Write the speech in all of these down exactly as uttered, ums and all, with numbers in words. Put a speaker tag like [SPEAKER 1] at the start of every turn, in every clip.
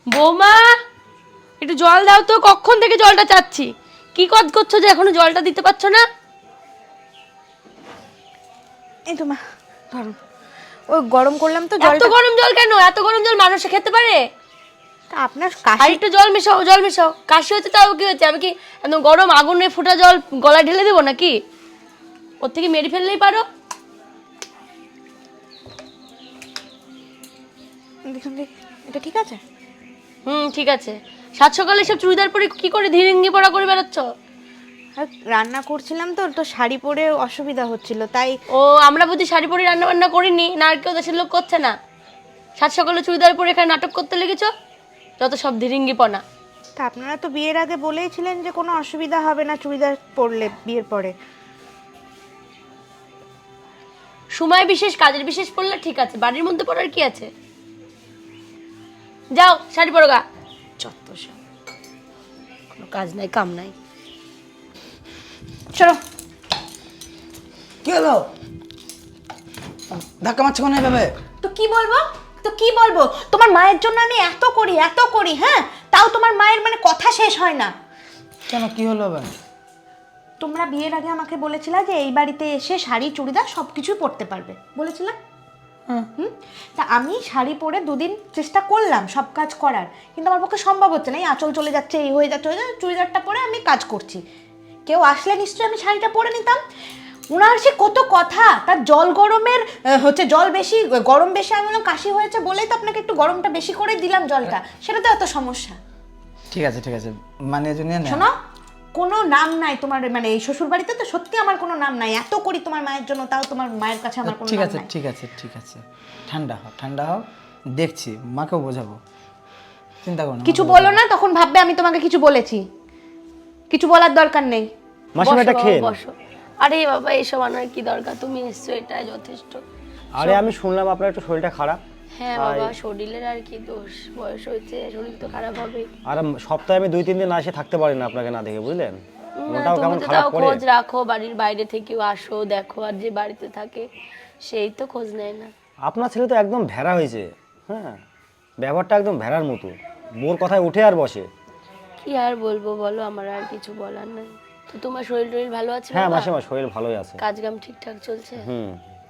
[SPEAKER 1] বৌমা একটু জল দাও তো, কখন থেকে জলটা চাচ্ছি। কি কাজ করছো যে এখনো জলটা দিতে পারছো না?
[SPEAKER 2] এই তো মা ধরো, ওই গরম করলাম তো
[SPEAKER 1] এত
[SPEAKER 2] জলটা।
[SPEAKER 1] গরম জল কেন? এত গরম জল মানুষে খেতে পারে?
[SPEAKER 2] তা আপনার
[SPEAKER 1] আর
[SPEAKER 2] কাশি।
[SPEAKER 1] একটু জল মেশাও, জল মেশাও। কাশি হচ্ছে তাও কি হচ্ছে? আমি কি একদম গরম আগুনে ফোটা জল গলায় ঢেলে দেবো নাকি? ওর থেকে মেরে ফেললেই পারো।
[SPEAKER 2] দেখুন দেখি, এটা ঠিক আছে?
[SPEAKER 1] হুম ঠিক আছে। সাত সকালে সব চুড়িদার পরে কি করে ধীরেঙ্গি পড়া করে বেড়াচ্ছ?
[SPEAKER 2] আর রান্না করছিলাম তো তো শাড়ি পরে অসুবিধা হচ্ছিল তাই।
[SPEAKER 1] ও আমরা বুঝি শাড়ি পরে রান্না বান্না করিনি, না আর কেউ দেশের লোক করছে না? সাত সকালে চুড়িদার পরে এখানে নাটক করতে লেগেছো, যত সব ধীরেঙ্গিপনা।
[SPEAKER 2] তা আপনারা তো বিয়ের আগে বলেইছিলেন যে কোনো অসুবিধা হবে না চুড়িদার পরলে বিয়ের পরে।
[SPEAKER 1] সময় বিশেষ কাজের বিশেষ পড়লে ঠিক আছে, বাড়ির মধ্যে পড়ার কি আছে? যাও শাড়ি পরো গা। যত সব কোনো কাজ নাই কাম নাই।
[SPEAKER 2] চলো।
[SPEAKER 3] কি হলো? ধাক্কা মারছো কেন এভাবে?
[SPEAKER 2] তো কি বলবো, তো কি বলবো, তোমার মায়ের জন্য আমি এত করি এত করি, হ্যাঁ, তাও তোমার মায়ের মানে কথা শেষ হয় না।
[SPEAKER 3] কেন কি হলো আবার?
[SPEAKER 2] তোমরা বিয়ের আগে আমাকে বলেছিলে যে এই বাড়িতে এসে শাড়ি চুড়িদার সব কিছুই পরতে পারবে, বলেছিলাম। হুম, তা আমি শাড়ি পরে দুদিন চেষ্টা করলাম সব কাজ করার, কিন্তু আমার পক্ষে সম্ভব হচ্ছে না। এই আঁচল চলে যাচ্ছে, এই হয়ে যাচ্ছে, হয়ে যাচ্ছে, চুড়িদারটা পরে আমি কাজ করছি। কেউ আসলে নিশ্চয়ই আমি শাড়িটা পরে নিতাম। ওনার সে কত কথা, তার জল গরমের আহ, হচ্ছে জল বেশি গরম বেশি, আমি বললাম কাশি হয়েছে বলেই তো আপনাকে একটু গরমটা বেশি করে দিলাম জলটা, সেটা তো এত সমস্যা।
[SPEAKER 3] ঠিক আছে ঠিক আছে, মানে জন্য না।
[SPEAKER 2] শোনো, কোনো নাম নাই তোমার, মানে এই শ্বশুর বাড়িতে তো সত্যি আমার কোনো নাম নাই। এত করি তোমার মায়ের জন্য, তাও তোমার মায়ের কাছে আমার কোনো
[SPEAKER 3] ঠিক
[SPEAKER 2] নাম
[SPEAKER 3] আছে
[SPEAKER 2] নাই।
[SPEAKER 3] ঠিক আছে ঠিক আছে, ঠান্ডা হও ঠান্ডা হও, দেখছি মাকেও বোঝাবো, চিন্তা করো না।
[SPEAKER 2] কিছু
[SPEAKER 3] মাকেও
[SPEAKER 2] বলো
[SPEAKER 3] বোঝাবো।
[SPEAKER 2] না, তখন ভাববে আমি তোমাকে কিছু বলেছি। কিছু বলার দরকার নেই।
[SPEAKER 4] মাসিমা এটা
[SPEAKER 1] বসো
[SPEAKER 4] খেয়ে
[SPEAKER 1] বাবা,
[SPEAKER 4] নাও।
[SPEAKER 1] বসো। আরে বাবা এসব আনার কি দরকার, তুমি এসছো এটাই যথেষ্ট।
[SPEAKER 4] আরে আমি শুনলাম আপনার একটু শরীরটা খারাপ।
[SPEAKER 1] হ্যাঁ বাবা, শরীরের আর কি দোষ, বয়স হয়েছে, শরীর তো খারাপ হবে।
[SPEAKER 4] আর সপ্তাহে আমি দুই তিন দিন না এসে থাকতে পারি না আপনাকে না দেখে, বুঝলেন?
[SPEAKER 1] না,
[SPEAKER 4] মনটাও
[SPEAKER 1] তুমি
[SPEAKER 4] কেমন
[SPEAKER 1] তো
[SPEAKER 4] খারাপ
[SPEAKER 1] তাও
[SPEAKER 4] করে।
[SPEAKER 1] খোঁজ রাখো, বাড়ির বাইরে থেকেও আসো দেখো, আর যে বাড়িতে থাকে সেই তো খোঁজ নেয় না।
[SPEAKER 4] আপনার ছেলে তো একদম ভেড়া হয়েছে, হ্যাঁ, ব্যবহারটা একদম ভেড়ার মতো, বোর কথায় উঠে আর বসে।
[SPEAKER 1] কি আর বলবো বলো, আমার আর কিছু বলার নেই। তো তোমার শরীর টরীর ভালো আছে
[SPEAKER 4] হ্যাঁ
[SPEAKER 1] বাবা?
[SPEAKER 4] মাসিমা শরীর ভালোই আছে।
[SPEAKER 1] কাজ কাম ঠিকঠাক চলছে?
[SPEAKER 4] হুম,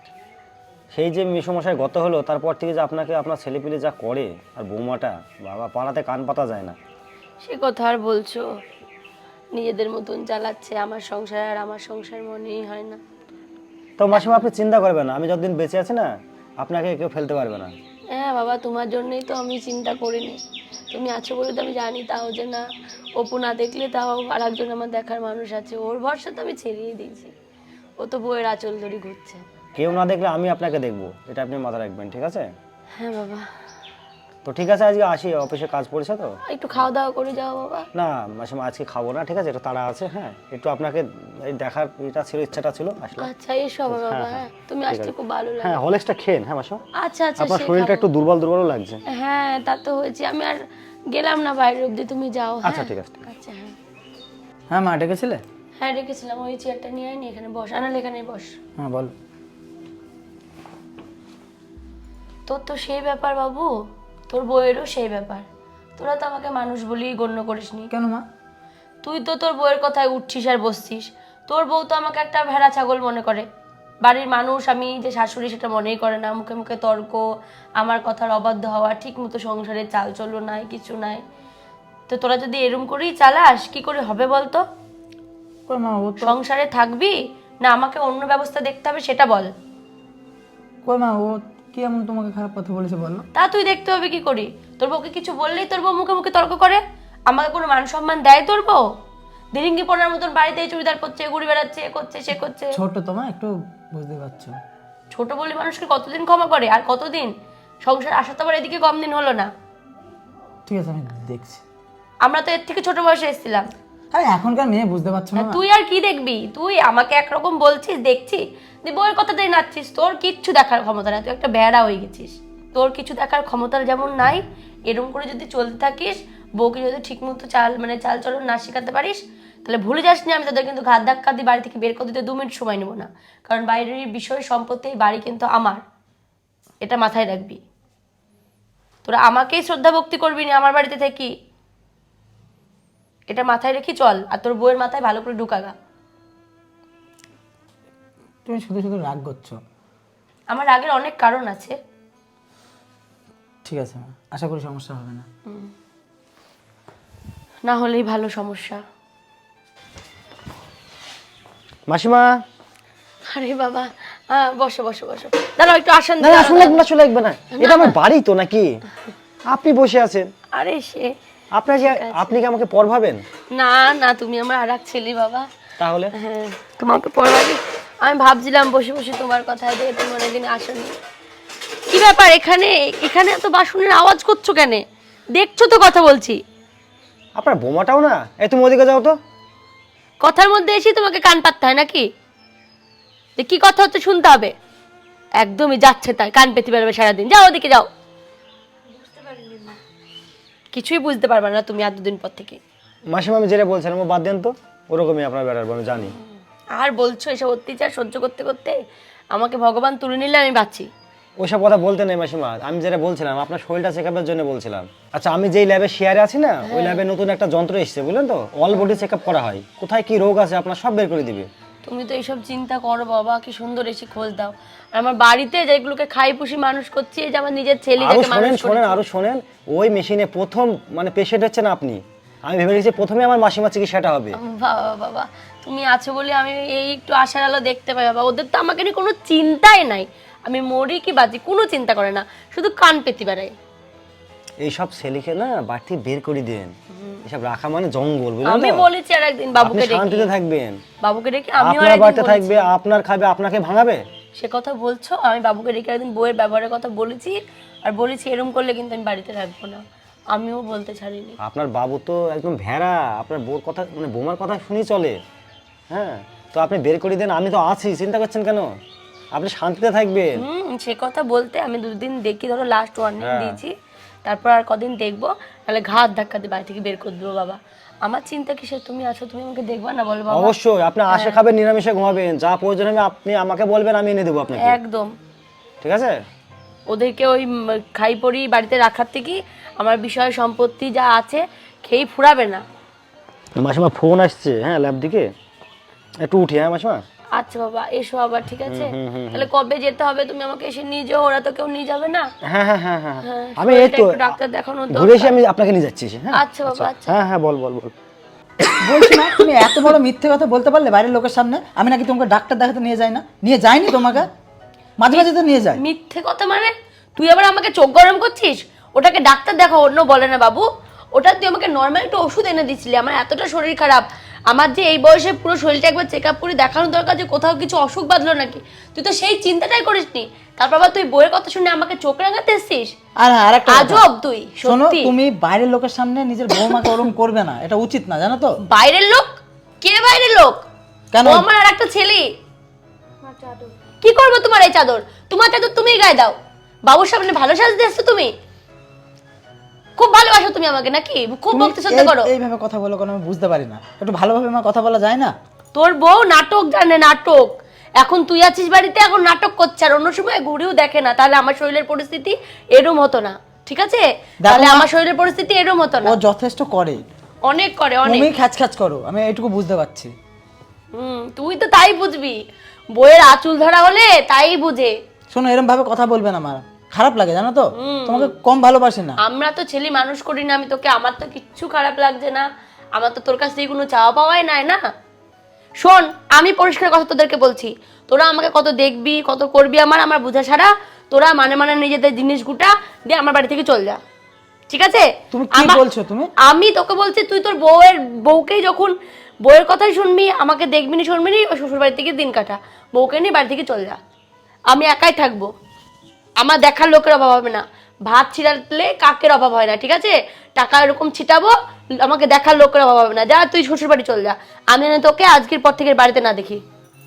[SPEAKER 4] সেই যে মিশমশাই গত হলো তারপর থেকে যে আপনাকে আপনার ছেলেপিলে যা করে, আর বৌমাটা বাবা পাড়াতে কান পাতা যায় না।
[SPEAKER 1] সে কথা আর বলছো, নিজেদের মতন চালাচ্ছে আমার সংসার, আর আমার সংসার মনেই হয় না।
[SPEAKER 4] তো মাসিমা আপনি চিন্তা করবেন না, আমি যতদিন বেঁচে আছি না আপনাকে কেউ ফেলতে পারবে না।
[SPEAKER 1] হ্যাঁ বাবা, তোমার জন্যই তো আমি চিন্তা করিনি। তুমি আছো বলে তো আমি জানি, তাও যে না অপু না দেখলে তাও আর একজন আমার দেখার মানুষ আছে, ওর ভরসা তো আমি ছেড়েই দিয়েছি। ও তো বইয়ের আঁচল ধরে ঘুরছে।
[SPEAKER 4] কেউ না দেখলে আমি আপনাকে দেখবো, এটা আপনি মাথায় রাখবেন, ঠিক আছে?
[SPEAKER 1] হ্যাঁ বাবা।
[SPEAKER 4] তো ঠিক আছে, আজকে আসি, অফিসে কাজ পড়েছে তো।
[SPEAKER 1] একটু খাওয়া দাওয়া করে যাও বাবা।
[SPEAKER 4] না মাসিমা আজকে খাবো না, ঠিক আছে, একটু তাড়া আছে, হ্যাঁ, একটু আপনাকে এই দেখার এটা ছিল, ইচ্ছাটা ছিল, আসলে।
[SPEAKER 1] আচ্ছা এসো বাবা।
[SPEAKER 4] হ্যাঁ,
[SPEAKER 1] হ্যাঁ
[SPEAKER 4] হ্যাঁ,
[SPEAKER 1] তুমি
[SPEAKER 4] ঠিক
[SPEAKER 1] আসতে
[SPEAKER 4] আছে।
[SPEAKER 1] খুব ভালো
[SPEAKER 4] হ্যাঁ
[SPEAKER 1] লাগে।
[SPEAKER 4] হলেক্সটা খেন, হ্যাঁ মাসিমা।
[SPEAKER 1] আচ্ছা আচ্ছা
[SPEAKER 4] আপনার
[SPEAKER 1] সে
[SPEAKER 4] শরীরটা
[SPEAKER 1] খাবো।
[SPEAKER 4] একটু দুর্বল দুর্বল লাগছে।
[SPEAKER 1] হ্যাঁ তা তো হয়েছে, আমি আর গেলাম না বাইরে অব্দি, তুমি যাও। হ্যাঁ?
[SPEAKER 4] আচ্ছা, ঠিক আছে, ঠিক আছে।
[SPEAKER 1] আচ্ছা হ্যাঁ।
[SPEAKER 3] হ্যাঁ মা ডেকেছিলে?
[SPEAKER 1] হ্যাঁ রেখেছিলাম, ওই চেয়ারটা নিয়ে আয়নি, এখানে বস। আনাল এখানে বস।
[SPEAKER 3] হ্যাঁ বল।
[SPEAKER 1] তোর তো সেই ব্যাপার বাবু, তোর বউয়েরও সেই ব্যাপার। তোরা তো আমাকে মানুষ বলেই গণ্য করিসনি।
[SPEAKER 3] কেন মা?
[SPEAKER 1] তুই তো তোর বউয়ের কথায় উঠছিস আর বসছিস। তোর বউ তো আমাকে একটা ভেড়া ছাগল মনে করে। বাড়ির মানুষ আমি যে শাশুড়ি সেটা মনেই করে না, মুখে মুখে তর্ক, আমার কথার অবাধ্য হওয়া, ঠিক মতো সংসারে চাল চলো নাই, কিছু নাই। তো তোরা যদি এরম করেই চালাস কি করে হবে বলতো?
[SPEAKER 3] কই মা ও তো,
[SPEAKER 1] সংসারে থাকবি না আমাকে অন্য ব্যবস্থা দেখতে হবে সেটা বল।
[SPEAKER 3] কই মা ও কি এমন তোমাকে খারাপ কথা বলেছে বলো?
[SPEAKER 1] তা তুই দেখতে হবে কি করি? তোর বউকে কিছু বললেই তোর বউ মুখে মুখে তর্ক করে। আমাকে কোনো মান সম্মান দেয় তোর বউ? দিরিঙ্গি পড়ার মতন বাড়িতে চুড়িদার পরছে, ঘুরে বেড়াচ্ছে, এ করছে সে করছে।
[SPEAKER 3] ছোট তো মা, একটু বুঝতে পারছো।
[SPEAKER 1] ছোট বলে মানুষকে কতদিন ক্ষমা করে, আর কতদিন? সংসার আসা তো আবার এদিকে কম দিন হলো না।
[SPEAKER 3] ঠিক আছে আমি দেখছি।
[SPEAKER 1] আমরা তো এর থেকে ছোট বয়সে এসেছিলাম।
[SPEAKER 3] আরে এখনকার মেয়ে বুঝতে পারছো না মা?
[SPEAKER 1] তুই আর কি দেখবি? তুই আমাকে একরকম বলছিস, দেখছি তুই বউয়ের কথাতেই নাচছিস। তোর কিচ্ছু দেখার ক্ষমতা নাই, তুই একটা বেড়া হয়ে গেছিস। তোর কিছু দেখার ক্ষমতা যেমন নাই, এরকম করে যদি চলতে থাকিস, বউকে যদি ঠিক মতো চাল মানে চাল চলন না শেখাতে পারিস, তাহলে ভুলে যাস না আমি তাদের কিন্তু ঘাত ধাক্কা দিয়ে বাড়ি থেকে বের করে দিতে দু মিনিট সময় নেবো না। কারণ বাইরের বিষয় সম্পত্তি এই বাড়ি কিন্তু আমার, এটা মাথায় রাখবি। তোরা আমাকেই শ্রদ্ধা ভক্তি করবি না আমার বাড়িতে থেকে। এটা মাথায় রেখে চল, আর তোর বউয়ের মাথায় ভালো করে ঢুকাগা।
[SPEAKER 3] তুমি শুধু শুধু রাগ করছো।
[SPEAKER 1] আমার রাগের অনেক কারণ আছে।
[SPEAKER 3] ঠিক আছে মা, আশা করি সমস্যা হবে না।
[SPEAKER 1] না হলেই ভালো সমস্যা।
[SPEAKER 4] মাসিমা,
[SPEAKER 1] আরে বাবা, আহ, বসো বসো বসো, দাঁড়াও একটু আসেন।
[SPEAKER 4] না না আসলে লাগবে না, আসলে লাগবে না, এটা আমার বাড়ি তো নাকি? আপনি বসে আছেন,
[SPEAKER 1] আরে সে
[SPEAKER 4] আপনার কি আপনি কি আমাকে পর ভাবেন?
[SPEAKER 1] না না, তুমি আমার আর এক ছেলে বাবা।
[SPEAKER 4] তাহলে
[SPEAKER 1] হ্যাঁ, তোমাকে পড়াবি। আমি ভাবছিলাম বসে বসে তোমার কথা, যে তুমি অনেকদিন আসনি। কি ব্যাপার এখানে এখানে এত বাসনের আওয়াজ করছো কেন? দেখছো তো কথা বলছি।
[SPEAKER 4] আপনার বোমাটাও না, এই তুমি ওদিকে যাও তো।
[SPEAKER 1] কথার মধ্যে এসে তোমাকে কান পাততে হয় নাকি? যে কি কথা হচ্ছে শুনতে হবে। একদমই যাচ্ছে তাই, কান পেতে পারবে সারাদিন। যাও ওদিকে যাও। কিছুই বুঝতে পারবে না তুমি আর দুদিন পর থেকে।
[SPEAKER 4] মাসিমা আমি যেটা বলছিলাম ও বাদ দেন তো, ওরকমই আপনার বেড়ার আমি জানি।
[SPEAKER 1] আর বলছো এসব অত্যাচার সহ্য করতে করতে আমাকে ভগবান তুলে নিলে আমি বাঁচি।
[SPEAKER 4] ওইসব কথা বলতে নেই মাসিমা, আমি যেটা বলছিলাম আপনার শরীরটা চেক আপের জন্য বলছিলাম। আচ্ছা, আমি যেই ল্যাবে শেয়ারে আছি না, ওই ল্যাবে নতুন একটা যন্ত্র এসেছে বুঝলেন তো, অল বডি চেক আপ করা হয়, কোথায় কি রোগ আছে আপনার সব বের করে দিবে।
[SPEAKER 1] তুমি তো এইসব চিন্তা করো বাবা, কি সুন্দর এসে খোঁজ দাও। আর আমার বাড়িতে যেগুলোকে খাই পুষি মানুষ করছি, এই যে আমার নিজের ছেলে
[SPEAKER 4] আরো
[SPEAKER 1] যাকে
[SPEAKER 4] শোনেন
[SPEAKER 1] মানুষ
[SPEAKER 4] শোনেন
[SPEAKER 1] করেছি।
[SPEAKER 4] আরো শোনেন, ওই মেশিনে প্রথম মানে পেশেন্ট হচ্ছে না আপনি। আমি ভেবে রেখেছি প্রথমে আমার মাসিমা চিকিৎসাটা হবে।
[SPEAKER 1] বাবা বাবা, তুমি আছো বলে আমি এই একটু আশার আলো দেখতে পাই বাবা। ওদের তো আমাকে নিয়ে কোনো চিন্তাই নাই। আমি মরি কি বাঁচি কোনো চিন্তা করে না, শুধু কান পেতে বেড়াই।
[SPEAKER 4] এইসব ছেলেকে না বাড়তি বের করে দেন, এসব রাখা মানে জঙ্গল বুঝলেন
[SPEAKER 1] আমি
[SPEAKER 4] তো?
[SPEAKER 1] বলেছি আর একদিন
[SPEAKER 4] আপনি
[SPEAKER 1] বাবুকে
[SPEAKER 4] শান্তিতে
[SPEAKER 1] ডেকে,
[SPEAKER 4] থাকবেন,
[SPEAKER 1] বাবুকে ডেকে আমিও আর
[SPEAKER 4] আপনার
[SPEAKER 1] একদিন
[SPEAKER 4] বাড়িতে
[SPEAKER 1] বলেছি।
[SPEAKER 4] থাকবে, আপনার খাবে, আপনাকে ভাঙাবে।
[SPEAKER 1] সে কথা বলছো, আমি বাবুকে ডেকে একদিন বইয়ের ব্যবহারের কথা বলেছি, আর বলেছি এরকম করলে কিন্তু আমি বাড়িতে রাখবো না। আমিও বলতে ছাড়িনি।
[SPEAKER 4] আপনার বাবু তো একদম ভেড়া, আপনার বউর কথা মানে বোমার কথা শুনি চলে। হ্যাঁ, তো আপনি বের করে দেন, আমি তো আছি, চিন্তা করছেন কেন? আপনি শান্তিতে থাকবেন।
[SPEAKER 1] হুম, সে কথা বলতে আমি দুদিন দেখি, ধরো লাস্ট ওয়ার্নিং
[SPEAKER 4] হ্যাঁ।
[SPEAKER 1] দিয়েছি, তারপর আর কদিন দেখবো, তাহলে ঘাত ধাক্কা দিয়ে বাড়ি থেকে বের করে দেবো বাবা। আমার চিন্তা কিসের? তুমি আছো, তুমি আমাকে দেখবা না বলো বাবা?
[SPEAKER 4] অবশ্যই, আপনি আশে খাবেন, নিরামিষে ঘুমাবেন, যা প্রয়োজন হবে আপনি আমাকে বলবেন, আমি এনে দেবো আপনাকে।
[SPEAKER 1] একদম।
[SPEAKER 4] ঠিক আছে?
[SPEAKER 1] ওদেরকে ওই উম, খাই পড়ি বাড়িতে রাখার থেকে আমার বিষয় সম্পত্তি যা আছে খেয়ে ফুরাবে না।
[SPEAKER 4] মাসিমা ফোন আসছে, হ্যাঁ ল্যাব দিকে, একটু উঠি। হ্যাঁ মাসিমা।
[SPEAKER 1] আচ্ছা বাবা, এসো আবার, ঠিক আছে? তাহলে কবে যেতে হবে তুমি আমাকে এসে নিয়ে যাও, ওরা তো কেউ নিয়ে যাবে না।
[SPEAKER 4] হ্যাঁ হ্যাঁ হ্যাঁ হ্যাঁ,
[SPEAKER 1] হ্যাঁ,
[SPEAKER 4] আমি এই
[SPEAKER 1] শরীরটা
[SPEAKER 4] তো
[SPEAKER 1] একটু ডাক্তার দেখানো দরকার।
[SPEAKER 4] ঘুরে এসে আমি আপনাকে নিয়ে যাচ্ছি। হ্যাঁ
[SPEAKER 1] আচ্ছা বাবা, আচ্ছা।
[SPEAKER 4] হ্যাঁ হ্যাঁ, বল বল বল।
[SPEAKER 3] বলছি না, তুমি এত বড় মিথ্যে কথা বলতে পারলে বাইরের লোকের সামনে? আমি নাকি তোমাকে ডাক্তার দেখাতে নিয়ে যাই না? নিয়ে যাইনি তোমাকে? মাঝে মাঝে তো নিয়ে যায়।
[SPEAKER 1] মিথ্যে কথা মানে? তুই আবার আমাকে চোখ গরম করছিস? ওটাকে ডাক্তার দেখা অন্য বলে না বাবু। ওটা তুই আমাকে নর্মাল একটা ওষুধ এনে দিছিলি। আমার এতটা শরীর খারাপ, আমার যে এই বয়সে পুরো শরীরটা একবার চেক আপ করে দেখানো দরকার, যে কোথাও কিছু অসুখ বাঁধলো নাকি। তুই তো সেই চিন্তাটাই করিসনি। তারপর আবার তুই বইয়ের কথা শুনে আমাকে চোখ রাঙাতে এসছিস।
[SPEAKER 3] আর আর একটা কথা,
[SPEAKER 1] আজব তুই,
[SPEAKER 3] শোনো,
[SPEAKER 1] সত্যি।
[SPEAKER 3] তুমি বাইরের লোকের সামনে নিজের বৌমাকে ওরম করবে না, এটা উচিত না, জানো তো?
[SPEAKER 1] বাইরের লোক? কে বাইরের লোক?
[SPEAKER 3] কেন?
[SPEAKER 1] ও আমার আর একটা ছেলে। কি করবো তোমার এই চাদর? তোমার চাদর তুমিই গায়ে দাও। বাবুর সামনে ভালো সাজতে এসছো তুমি? খুব ভালোবাসো তুমি আমাকে নাকি? খুব
[SPEAKER 3] তুমি
[SPEAKER 1] ভক্তি শ্রদ্ধা
[SPEAKER 3] এই-
[SPEAKER 1] করো?
[SPEAKER 3] এইভাবে কথা বলো কেন? আমি বুঝতে পারি না। একটু ভালোভাবে মা কথা বলা যায় না?
[SPEAKER 1] তোর বউ নাটক জানে, নাটক। এখন তুই আছিস বাড়িতে, এখন নাটক করছে, আর অন্য সময় ঘুরেও দেখে না। তাহলে আমার শরীরের পরিস্থিতি এরম হতো না, ঠিক আছে? তাহলে
[SPEAKER 3] মা-
[SPEAKER 1] আমার শরীরের পরিস্থিতি এরম হতো না।
[SPEAKER 3] ও যথেষ্ট করে,
[SPEAKER 1] অনেক করে, অনেক।
[SPEAKER 3] তুমি খ্যাচ খ্যাচ করো, আমি এইটুকু বুঝতে পারছি।
[SPEAKER 1] হুম, তুই তো তাই বুঝবি। বইয়ের আঁচল ধরা হলে তাই বুঝে।
[SPEAKER 3] শোনো, এরম ভাবে কথা বলবে না, আমার খারাপ লাগে, জানো তো? তোমাকে কম ভালোবাসি না।
[SPEAKER 1] আমরা তো ছেলে মানুষ করি না আমি তোকে, আমার তো কিচ্ছু খারাপ লাগছে না। আমার তো তোর কাছ থেকে কোনো চাওয়া পাওয়াই নাই না। শোন, আমি পরিষ্কার কথা তোদেরকে বলছি, তোরা আমাকে কত দেখবি, কত করবি, আমার আমার বোঝা ছাড়া তোরা মানে মানে নিজেদের জিনিস গুটা দিয়ে আমার বাড়ি থেকে চল যা, ঠিক আছে?
[SPEAKER 3] তুমি কি
[SPEAKER 1] আমা-
[SPEAKER 3] বলছো তুমি?
[SPEAKER 1] আমি তোকে বলছি, তুই তোর বউয়ের বউকেই যখন বউয়ের কথাই শুনবি, আমাকে দেখবি নি শুনবি নি, ওই শ্বশুর বাড়ি থেকে দিন কাটা, বউকে নিয়ে বাড়ি থেকে চল যা। আমি একাই থাকবো, আমার দেখার লোকের অভাব হবে না। ভাত ছিটালে কাকের অভাব হয় না, ঠিক আছে? টাকা এরকম ছিটাবো, আমাকে দেখার লোকের অভাব হবে না। যা তুই শ্বশুর বাড়ি চল যা, আমি না তোকে আজকের পর থেকে বাড়িতে না দেখি।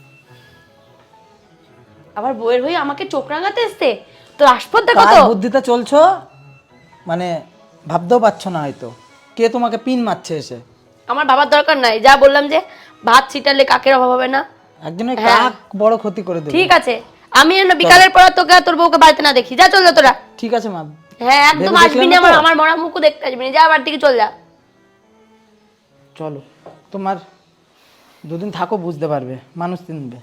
[SPEAKER 1] আবার বউয়ের হয়ে আমাকে চোখ রাঙাতে এসছে, তোর আসপদ দেখো
[SPEAKER 3] কার
[SPEAKER 1] তো।
[SPEAKER 3] বুদ্ধিতে চলছো মানে ভাবতেও পারছো না হয়তো। কে তোমাকে পিন মারছে এসে?
[SPEAKER 1] আমার বাবার দরকার নাই, যা বললাম যে ভাত ছিটালে কাকের অভাব হবে না।
[SPEAKER 3] একজনের
[SPEAKER 1] হ্যাঁ।
[SPEAKER 3] কাক বড় ক্ষতি করে দেবে।
[SPEAKER 1] ঠিক আছে, আমি যেন বিকালের পর তোকে আর তোর বউকে বাড়িতে না দেখি। যা চল যা তোরা।
[SPEAKER 3] ঠিক আছে মা,
[SPEAKER 1] হ্যাঁ একদম
[SPEAKER 3] ভেবে
[SPEAKER 1] আসবি
[SPEAKER 3] দেখলে
[SPEAKER 1] না,
[SPEAKER 3] না
[SPEAKER 1] আমার
[SPEAKER 3] তো?
[SPEAKER 1] আমার মরা মুখও দেখতে আসবি না, যা বাড়ি থেকে চল যা।
[SPEAKER 3] চলো, তোমার দুদিন থাকো, বুঝতে পারবে, মানুষ চিনবে।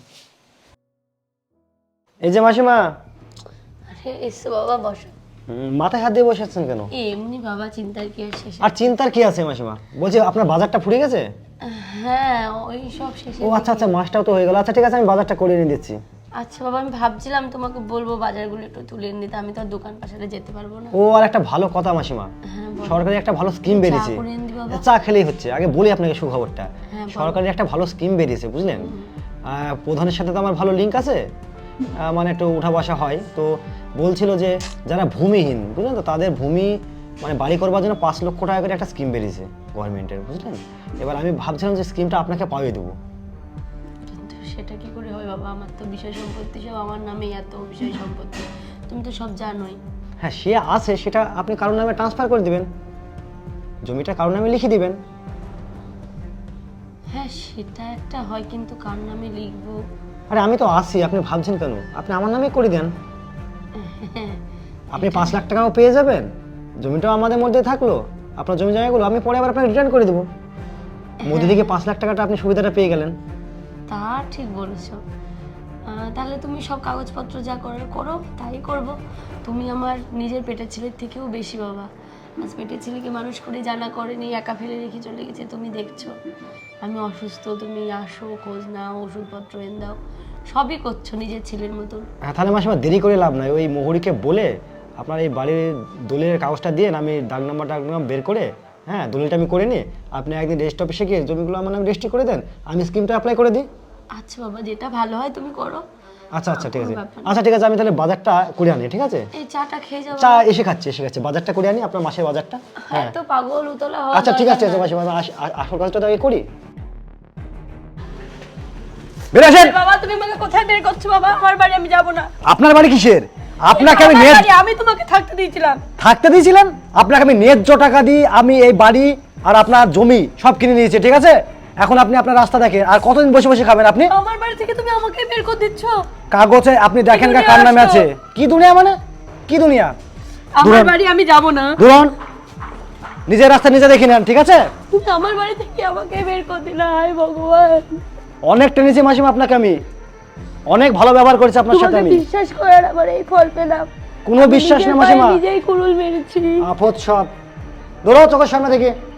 [SPEAKER 4] এই যে মাসিমা,
[SPEAKER 1] আরে এসো বাবা বসো।
[SPEAKER 4] হুম, মাথায় হাত দিয়ে বসে আছেন কেন?
[SPEAKER 1] এমনি বাবা চিন্তার কি আর শেষ?
[SPEAKER 4] আর চিন্তার কি আছে মাসিমা? বলছি আপনার বাজারটা ফুরিয়ে গেছে?
[SPEAKER 1] হ্যাঁ ওই সব শেষে।
[SPEAKER 4] ও আচ্ছা আচ্ছা, মাসটাও তো হয়ে গেল। আচ্ছা ঠিক আছে, আমি বাজারটা করে এনে দিচ্ছি।
[SPEAKER 1] আচ্ছা বাবা আমি ভাবছিলাম তোমাকে বলবো বাজারগুলো একটু তুলে এনে দিতে, আমি তো আর দোকান পাশে যেতে পারবো না।
[SPEAKER 4] ও আর একটা ভালো কথা মাসিমা,
[SPEAKER 1] হ্যাঁ বল।
[SPEAKER 4] সরকারি একটা ভালো স্কিম বেরিয়েছে।
[SPEAKER 1] করে এনে দি বাবা।
[SPEAKER 4] চা খেলেই হচ্ছে, আগে বলি আপনাকে সুখবরটা।
[SPEAKER 1] হ্যাঁ, বলো।
[SPEAKER 4] সরকারি একটা ভালো স্কিম বেরিয়েছে বুঝলেন। আহ, প্রধানের সাথে তো আমার ভালো লিঙ্ক আছে, আহ, মানে একটু উঠা বসা হয়। তো বলছিল যে যারা ভূমিহীন বুঝলেন তো, তাদের ভূমি মানে বাড়ি করবার জন্য পাঁচ লক্ষ টাকা করে একটা স্কিম বেরিয়েছে গভর্নমেন্টের বুঝলেন। এবার আমি ভাবছিলাম যে স্কিমটা আপনাকে পাইয়ে দেবো।
[SPEAKER 1] কিন্তু সেটা কি করে হয় বাবা, আমার তো বিষয় সম্পত্তি সব আমার নামেই, এত বিষয় সম্পত্তি তুমি তো সব জানোই।
[SPEAKER 4] হ্যাঁ সে আছে, সেটা আপনি কারোর নামে ট্রান্সফার করে দিবেন, জমিটা কারোর নামে লিখে দিবেন।
[SPEAKER 1] হ্যাঁ সেটা একটা হয়, কিন্তু কার নামে লিখবো?
[SPEAKER 4] আরে আমি তো আসি, আপনি ভাবছেন কেন? আপনি আমার নামে করে দেন, আপনি পাঁচ লাখ টাকাও পেয়ে যাবেন, জমিটাও আমাদের মধ্যে থাকলো, আপনার জমি জায়গাগুলো আমি পরে আবার আপনাকে রিটার্ন করে দেবো। মধ্যে থেকে পাঁচ লাখ টাকাটা আপনি সুবিধাটা পেয়ে গেলেন।
[SPEAKER 1] তা ঠিক বলেছো। আহ, তাহলে তুমি সব কাগজপত্র যা করার করো, তাই করব। তুমি আমার নিজের পেটের ছেলের থেকেও বেশি বাবা। আজ পেটের ছেলেকে মানুষ করে জানা করেনি, একা ফেলে রেখে চলে গেছে। তুমি দেখছো আমি অসুস্থ, তুমি আসো, খোঁজ নাও, ওষুধপত্র এনে দাও, সবই করছো নিজের ছেলের মতন।
[SPEAKER 4] হ্যাঁ তাহলে মাসিমা দেরি করে লাভ নাই, ওই মোহরিকে বলে আপনার এই বাড়ির দলিলের কাগজটা দিয়ে আমি ডাক নাম্বার ডাক নাম্বার বের করে, হ্যাঁ দলিলটা আমি করে নিই, আপনি একদিন রেজিস্ট্রি অফিসে গিয়ে জমিগুলো আমার নামে রেজিস্ট্রি করে দেন, আমি স্কিমটা অ্যাপ্লাই করে দিই।
[SPEAKER 1] আচ্ছা বাবা যেটা ভালো হয় তুমি করো।
[SPEAKER 4] আচ্ছা আচ্ছা ঠিক আছে,
[SPEAKER 1] কোনো ব্যাপার না।
[SPEAKER 4] আচ্ছা ঠিক আছে, আমি তাহলে বাজারটা করে আনি, ঠিক আছে?
[SPEAKER 1] এই চাটা খেয়ে যাও।
[SPEAKER 4] চা এসে খাচ্ছি, এসে খাচ্ছি, বাজারটা করে আনি, আপনার মাসের বাজারটা। হ্যাঁ
[SPEAKER 1] তো পাগল উতলা হওয়া
[SPEAKER 4] আচ্ছা ঠিক আছে,
[SPEAKER 1] দরকার না।
[SPEAKER 4] মাসিমা আস- আ- আসল কাজটা তো আগে করি। বের আসেন।
[SPEAKER 1] বাবা তুমি আমাকে কোথায় বের করছো বাবা? আমার বাড়ি আমি যাব না।
[SPEAKER 4] আপনার বাড়ি কিসের? আপনাকে আমি
[SPEAKER 1] আমার
[SPEAKER 4] নেট
[SPEAKER 1] বাড়ি, আমি তোমাকে থাকতে দিয়েছিলাম।
[SPEAKER 4] থাকতে দিয়েছিলাম, আপনাকে আমি ন্যায্য টাকা দিই, আমি এই বাড়ি আর আপনার জমি সব কিনে নিয়েছি, ঠিক আছে? এখন আপনি আপনার রাস্তা দেখেন, আর কতদিন বসে বসে খাবেন আপনি?
[SPEAKER 1] আমার বাড়ি থেকে তুমি আমাকে বের করে দিচ্ছ।
[SPEAKER 4] কাগজে আপনি দেখেন
[SPEAKER 1] কি
[SPEAKER 4] কার
[SPEAKER 1] দুনিয়া
[SPEAKER 4] নামে
[SPEAKER 1] আসলো?
[SPEAKER 4] আছে। কি দুনিয়া মানে? কি দুনিয়া?
[SPEAKER 1] আমার
[SPEAKER 4] দূরন।
[SPEAKER 1] বাড়ি আমি যাব না।
[SPEAKER 4] ধরুন, নিজের রাস্তা নিজে দেখে নেন, ঠিক আছে?
[SPEAKER 1] তুমি আমার বাড়ি থেকে আমাকে বের করে দিলা, হায় ভগবান।
[SPEAKER 4] অনেক টেনেছি মাসিমা আপনাকে, আমি অনেক ভালো ব্যবহার করেছি আপনার সাথে
[SPEAKER 1] তোমাকে
[SPEAKER 4] আমি।
[SPEAKER 1] বিশ্বাস করার আমার এই ফল পেলাম।
[SPEAKER 4] কোনো
[SPEAKER 1] আমি
[SPEAKER 4] বিশ্বাস
[SPEAKER 1] নিজের
[SPEAKER 4] না মাসিমা,
[SPEAKER 1] পায়ে নিজেই কুড়ুল মেরেছি।
[SPEAKER 4] আপদ সব। ধরো চোখের সামনে থেকে।